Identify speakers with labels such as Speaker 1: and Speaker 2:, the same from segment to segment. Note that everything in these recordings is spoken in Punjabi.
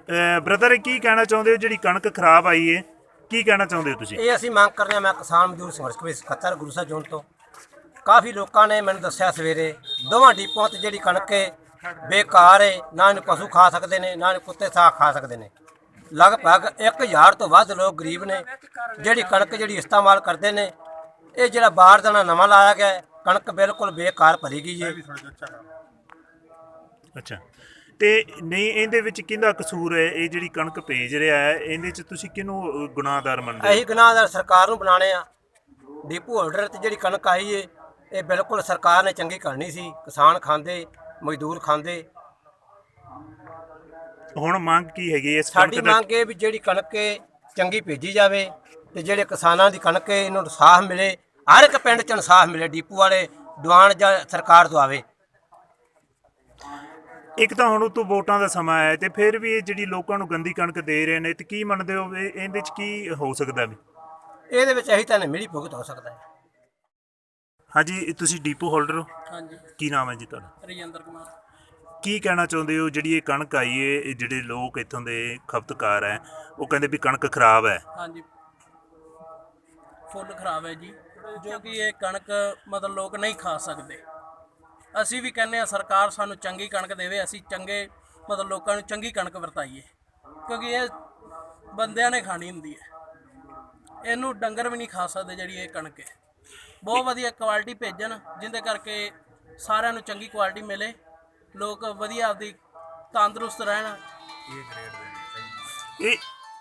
Speaker 1: ਬ੍ਰਦਰ ਕੀ ਕਹਿਣਾ ਚਾਹੁੰਦੇ ਹੋ, ਜਿਹੜੀ ਕਣਕ ਖਰਾਬ ਆਈ ਹੈ ਕੀ ਕਹਿਣਾ ਚਾਹੁੰਦੇ ਹੋ ਤੁਸੀਂ?
Speaker 2: ਇਹ ਅਸੀਂ ਮੰਗ ਕਰਦੇ ਹਾਂ। ਮੈਂ ਕਿਸਾਨ ਮਜ਼ਦੂਰ ਸੰਘਰਸ਼ ਕਮੇਟੀ ਸਕੱਤਰ ਗੁਰੂ ਸਾਹਿਬ ਜੋਨ ਤੋਂ। ਕਾਫੀ ਲੋਕਾਂ ਨੇ ਮੈਨੂੰ ਦੱਸਿਆ ਸਵੇਰੇ ਦੋਵਾਂ ਡਿਪੂਆਂ ਤੇ ਜਿਹੜੀ ਕਣਕ ਹੈ ਬੇਕਾਰ ਹੈ, ਨਾ ਇਹਨੂੰ ਪਸ਼ੂ ਖਾ ਸਕਦੇ ਨੇ ਨਾ ਇਹਨੂੰ ਕੁੱਤੇ ਸਾਗ ਖਾ ਸਕਦੇ ਨੇ। ਲਗਭਗ 1000 ਤੋਂ ਵੱਧ ਲੋਕ ਗਰੀਬ ਨੇ ਜਿਹੜੀ ਕਣਕ ਜਿਹੜੀ ਇਸਤੇਮਾਲ ਕਰਦੇ ਨੇ। ਇਹ ਜਿਹੜਾ ਬਾਰਦਾਨਾ ਨਵਾਂ ਲਾਇਆ ਗਿਆ ਹੈ, ਕਣਕ ਬਿਲਕੁਲ ਬੇਕਾਰ ਭਰੀ ਗਈ ਹੈ।
Speaker 1: ਅੱਛਾ, ਤੇ ਨਹੀਂ ਇਹਦੇ ਵਿੱਚ ਕਿਹਦਾ ਕਸੂਰ ਹੈ? ਇਹ ਜਿਹੜੀ ਕਣਕ ਭੇਜ ਰਿਹਾ ਹੈ ਇਹਦੇ 'ਚ ਤੁਸੀਂ ਕਿਹਨੂੰ ਗੁਨਾਹਗਾਰ ਮੰਨਦੇ ਹੋ?
Speaker 2: ਅਸੀਂ ਗੁਨਾਹਗਾਰ ਸਰਕਾਰ ਨੂੰ ਬਣਾਉਣੇ ਆ। ਡਿਪੂ ਹੋਲਡਰ ਤੇ ਜਿਹੜੀ ਕਣਕ ਆਈ ਹੈ ਇਹ ਬਿਲਕੁਲ ਸਰਕਾਰ ਨੇ ਚੰਗੀ ਕਰਨੀ ਸੀ। ਕਿਸਾਨ ਖਾਂਦੇ, ਮਜ਼ਦੂਰ ਖਾਂਦੇ।
Speaker 1: ਹੁਣ ਮੰਗ ਕੀ ਹੈਗੀ ਇਸ
Speaker 2: ਸਾਡੀ ਮੰਗ ਇਹ ਵੀ ਜਿਹੜੀ ਕਣਕ ਚੰਗੀ ਭੇਜੀ ਜਾਵੇ ਤੇ ਜਿਹੜੇ ਕਿਸਾਨਾਂ ਦੀ ਕਣਕ ਇਹਨੂੰ ਇਨਸਾਫ ਮਿਲੇ। ਹਰ ਇੱਕ ਪਿੰਡ 'ਚ ਇਨਸਾਫ ਮਿਲੇ। ਡਿਪੂ ਵਾਲੇ ਦੀਵਾਨ ਜਾਂ ਸਰਕਾਰ ਦਵਾਵੇ।
Speaker 1: ਇੱਕ ਤਾਂ ਹੁਣ ਉਤੋਂ ਵੋਟਾਂ ਦਾ ਸਮਾਂ ਹੈ ਤੇ ਫਿਰ ਵੀ ਇਹ ਜਿਹੜੀ ਲੋਕਾਂ ਨੂੰ ਗੰਦੀ ਕਣਕ ਦੇ ਰਹੇ ਨੇ, ਤੇ ਕੀ ਮੰਨਦੇ ਹੋ ਇਹਦੇ 'ਚ ਕੀ ਹੋ ਸਕਦਾ ਵੀ?
Speaker 2: ਇਹਦੇ ਵਿੱਚ ਇਹੀ ਤਾਂ ਮਿਲੀ ਭੁਗਤ ਹੋ ਸਕਦਾ ਹੈ।
Speaker 1: ਹਾਂਜੀ, ਤੁਸੀਂ ਡਿਪੂ ਹੋਲਡਰ ਹੋ?
Speaker 3: ਹਾਂਜੀ,
Speaker 1: ਕੀ ਨਾਮ ਹੈ ਜੀ ਤੁਹਾਡਾ?
Speaker 3: ਰਜਿੰਦਰ ਕੁਮਾਰ।
Speaker 1: ਕੀ ਕਹਿਣਾ ਚਾਹੁੰਦੇ ਹੋ ਜਿਹੜੀ ਇਹ ਕਣਕ ਆਈ ਹੈ, ਇਹ ਜਿਹੜੇ ਲੋਕ ਇੱਥੋਂ ਦੇ ਖਪਤਕਾਰ ਹੈ ਉਹ ਕਹਿੰਦੇ ਵੀ ਕਣਕ ਖਰਾਬ ਹੈ?
Speaker 3: ਹਾਂਜੀ, ਫੁੱਲ ਖਰਾਬ ਹੈ ਜੀ, ਜੋ ਕਿ ਇਹ ਕਣਕ ਮਤਲਬ ਲੋਕ ਨਹੀਂ ਖਾ ਸਕਦੇ। ਅਸੀਂ ਵੀ ਕਹਿੰਦੇ ਆ ਸਰਕਾਰ ਸਾਨੂੰ ਚੰਗੀ ਕਣਕ ਦੇਵੇ, ਅਸੀਂ ਚੰਗੇ ਮਤਲਬ ਲੋਕਾਂ ਨੂੰ ਚੰਗੀ ਕਣਕ ਵਰਤਾਈਏ, ਕਿਉਂਕਿ ਇਹ ਬੰਦਿਆਂ ਨੇ ਖਾਣੀ ਹੁੰਦੀ ਹੈ। ਇਹਨੂੰ ਡੰਗਰ ਵੀ ਨਹੀਂ ਖਾ ਸਕਦੇ। ਜਿਹੜੀ ਇਹ ਕਣਕ ਹੈ ਬਹੁਤ ਵਧੀਆ ਕੁਆਲਿਟੀ ਭੇਜਣ, ਜਿਹਦੇ ਕਰਕੇ ਸਾਰਿਆਂ ਨੂੰ ਚੰਗੀ ਕੁਆਲਿਟੀ ਮਿਲੇ, ਲੋਕ ਵਧੀਆ ਆਪਦੀ ਤੰਦਰੁਸਤ ਰਹਿਣ।
Speaker 1: ਇਹ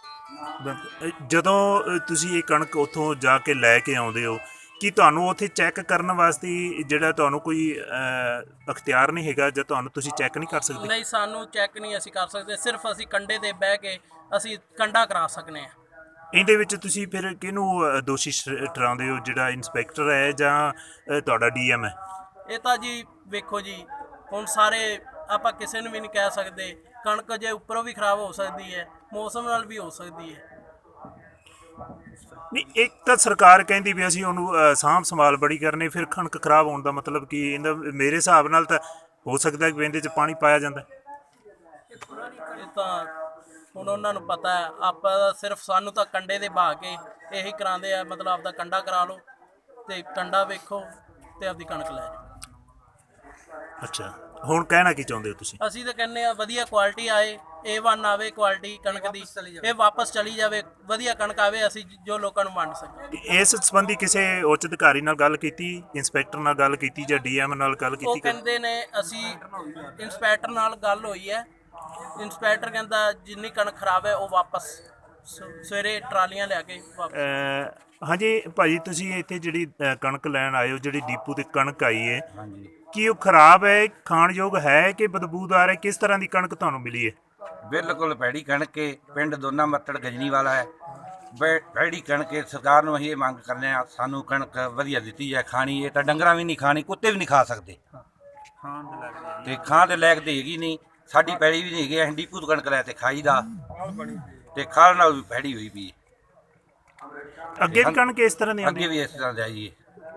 Speaker 1: ਜਦੋਂ ਤੁਸੀਂ ਇਹ ਕਣਕ ਉੱਥੋਂ ਜਾ ਕੇ ਲੈ ਕੇ ਆਉਂਦੇ ਹੋ, ਕੀ ਤੁਹਾਨੂੰ ਉੱਥੇ ਚੈੱਕ ਕਰਨ ਵਾਸਤੇ ਜਿਹੜਾ ਤੁਹਾਨੂੰ ਕੋਈ ਅਖਤਿਆਰ ਨਹੀਂ ਹੈਗਾ, ਜਾਂ ਤੁਹਾਨੂੰ ਤੁਸੀਂ ਚੈੱਕ ਨਹੀਂ ਕਰ ਸਕਦੇ?
Speaker 3: ਨਹੀਂ, ਸਾਨੂੰ ਚੈੱਕ ਨਹੀਂ ਅਸੀਂ ਕਰ ਸਕਦੇ। ਸਿਰਫ ਅਸੀਂ ਕੰਡੇ ਤੇ ਬਹਿ ਕੇ ਅਸੀਂ ਕੰਡਾ ਕਰਾ ਸਕਨੇ ਆ।
Speaker 1: ਇਹਦੇ ਵਿੱਚ ਤੁਸੀਂ ਫਿਰ ਕਿਹਨੂੰ ਦੋਸ਼ੀ ਠਹਿਰਾਉਂਦੇ ਹੋ, ਜਿਹੜਾ ਇੰਸਪੈਕਟਰ ਹੈ ਜਾਂ ਤੁਹਾਡਾ ਡੀਐਮ ਹੈ?
Speaker 3: ਇਹ ਤਾਂ ਜੀ ਵੇਖੋ ਜੀ, ਹੁਣ ਸਾਰੇ ਆਪਾਂ ਕਿਸੇ ਨੂੰ ਵੀ ਨਹੀਂ ਕਹਿ ਸਕਦੇ। ਕਣਕ ਜੇ ਉੱਪਰੋਂ ਵੀ ਖਰਾਬ ਹੋ ਸਕਦੀ ਹੈ, ਮੌਸਮ ਨਾਲ ਵੀ ਹੋ ਸਕਦੀ ਹੈ।
Speaker 1: ਨਹੀਂ, ਇੱਕ ਤਾਂ ਸਰਕਾਰ ਕਹਿੰਦੀ ਵੀ ਅਸੀਂ ਉਹਨੂੰ ਸਾਂਭ ਸੰਭਾਲ ਬੜੀ ਕਰਨੀ, ਫਿਰ ਕਣਕ ਖਰਾਬ ਹੋਣ ਦਾ ਮਤਲਬ ਕੀ? ਇਹਦਾ ਮੇਰੇ ਹਿਸਾਬ ਨਾਲ ਤਾਂ ਹੋ ਸਕਦਾ ਕਿ ਇਹਦੇ 'ਚ ਪਾਣੀ ਪਾਇਆ ਜਾਂਦਾ।
Speaker 3: ਇਹ ਤਾਂ ਹੁਣ ਉਹਨਾਂ ਨੂੰ ਪਤਾ ਹੈ। ਆਪਾਂ ਤਾਂ ਸਿਰਫ ਸਾਨੂੰ ਤਾਂ ਕੰਡੇ ਦੇ ਬਹਾ ਕੇ ਇਹੀ ਕਰਾਉਂਦੇ ਆ, ਮਤਲਬ ਆਪਦਾ ਕੰਡਾ ਕਰਾ ਲਓ ਤੇ ਕੰਡਾ ਵੇਖੋ ਤੇ ਆਪਦੀ ਕਣਕ ਲੈ ਜਾਓ।
Speaker 1: ਅੱਛਾ, ਹੁਣ ਕਹਿਣਾ ਕੀ ਚਾਹੁੰਦੇ ਹੋ ਤੁਸੀਂ?
Speaker 3: ਅਸੀਂ ਤਾਂ ਕਹਿੰਦੇ ਆ ਵਧੀਆ ਕੁਆਲਿਟੀ ਆਏ, A1 ਆਵੇ ਕੁਆਲਿਟੀ ਕਣਕ ਦੀ, ਇਹ ਵਾਪਸ ਚਲੀ ਜਾਵੇ, ਵਧੀਆ ਕਣਕ ਆਵੇ, ਅਸੀਂ ਜੋ ਲੋਕਾਂ ਨੂੰ ਵੰਡ ਸਕੀਏ।
Speaker 1: ਇਸ ਸੰਬੰਧੀ ਕਿਸੇ ਉੱਚ ਅਧਿਕਾਰੀ ਨਾਲ ਗੱਲ ਕੀਤੀ, ਇੰਸਪੈਕਟਰ ਨਾਲ ਗੱਲ ਕੀਤੀ ਜਾਂ ਡੀਐਮ ਨਾਲ ਗੱਲ ਕੀਤੀ?
Speaker 3: ਉਹ ਕਹਿੰਦੇ ਨੇ ਅਸੀਂ ਇੰਸਪੈਕਟਰ ਨਾਲ ਗੱਲ ਹੋਈ ਹੈ। ਇੰਸਪੈਕਟਰ ਕਹਿੰਦਾ ਜਿੰਨੀ ਕਣਕ ਖਰਾਬ ਹੈ ਉਹ ਵਾਪਸ ਸਵੇਰੇ ਟਰਾਲੀਆਂ ਲਿਆ ਕੇ ਵਾਪਸ।
Speaker 1: ਹਾਂਜੀ ਭਾਜੀ, ਤੁਸੀਂ ਇੱਥੇ ਜਿਹੜੀ ਕਣਕ ਲੈਣ ਆਏ ਹੋ, ਜਿਹੜੀ ਡੀਪੂ ਤੇ ਕਣਕ ਆਈ ਹੈ,
Speaker 4: ਹਾਂਜੀ,
Speaker 1: ਕੀ ਉਹ ਖਰਾਬ ਹੈ, ਖਾਣਯੋਗ ਹੈ ਕਿ ਬਦਬੂਦਾਰ ਹੈ? ਕਿਸ ਤਰ੍ਹਾਂ ਦੀ ਕਣਕ ਤੁਹਾਨੂੰ ਮਿਲੀ ਹੈ?
Speaker 4: ਬਿਲਕੁਲ ਭੈੜੀ ਕਣਕ ਹੈ। ਪਿੰਡ ਦੋਨਾ ਮੱਤੜ ਗਜਨੀ ਵਾਲਾ ਹੈ। ਭੈੜੀ ਕਣਕ ਹੈ। ਸਰਕਾਰ ਨੂੰ ਅਸੀਂ ਇਹ ਮੰਗ ਕਰਨੇ ਆ, ਸਾਨੂੰ ਕਣਕ ਵਧੀਆ ਦਿੱਤੀ ਜਾਏ। ਖਾਣੀ ਇਹ ਤਾਂ ਡੰਗਰਾਂ ਵੀ ਨਹੀਂ ਖਾਣੀ, ਕੁੱਤੇ ਵੀ ਨਹੀਂ ਖਾ ਸਕਦੇ, ਤੇ ਖਾਣ ਦੇ ਲਾਇਕ ਤੇ ਹੈਗੀ ਨਹੀਂ। ਸਾਡੀ ਪੈੜੀ ਵੀ ਨਹੀਂ ਹੈਗੀ, ਅਸੀਂ ਡੀਪੂ ਤੋਂ ਕਣਕ ਲੈ ਤੇ ਖਾਈ ਦਾ, ਤੇ ਖਾਣ ਨਾਲ ਵੀ ਭੈੜੀ ਹੋਈ ਪਈ।
Speaker 1: ਅੱਗੇ ਵੀ ਕਣਕ ਇਸ ਤਰ੍ਹਾਂ ਦੀ ਆਉਂਦੀ?
Speaker 4: ਅੱਗੇ ਵੀ ਇਸ ਤਰ੍ਹਾਂ ਜਾਈਏ।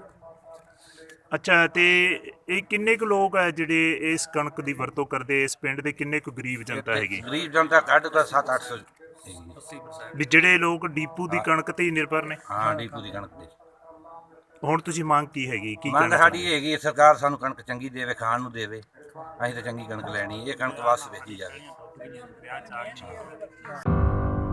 Speaker 1: ਅੱਛਾ, ਤੇ ਇਹ ਕਿੰਨੇ ਕੁ ਲੋਕ ਹੈ ਜਿਹੜੇ ਇਸ ਕਣਕ ਦੀ ਵਰਤੋਂ ਕਰਦੇ? ਇਸ ਪਿੰਡ ਦੇ ਕਿੰਨੇ ਕੁ ਗਰੀਬ ਜਨਤਾ ਹੈਗੀ?
Speaker 4: ਗਰੀਬ ਜਨਤਾ ਘੱਟ ਤਾਂ 700-800
Speaker 1: ਵੀ ਜਿਹੜੇ ਲੋਕ ਡੀਪੂ ਦੀ ਕਣਕ ਤੇ ਹੀ ਨਿਰਭਰ ਨੇ?
Speaker 4: ਹਾਂ, ਡੀਪੂ ਦੀ ਕਣਕ ਤੇ।
Speaker 1: ਹੁਣ ਤੁਸੀਂ ਮੰਗ ਕੀ ਹੈਗੀ, ਕੀ
Speaker 4: ਮੰਗ
Speaker 1: ਕਹਿਣਾ
Speaker 4: ਸਾਡੀ ਇਹ ਹੈਗੀ ਸਰਕਾਰ ਸਾਨੂੰ ਕਣਕ ਚੰਗੀ ਦੇਵੇ, ਖਾਣ ਨੂੰ ਦੇਵੇ। ਅਸੀਂ ਤਾਂ ਚੰਗੀ ਕਣਕ ਲੈਣੀ, ਇਹ ਕਣਕ ਵਾਪਸ ਭੇਜੀ ਜਾਵੇ।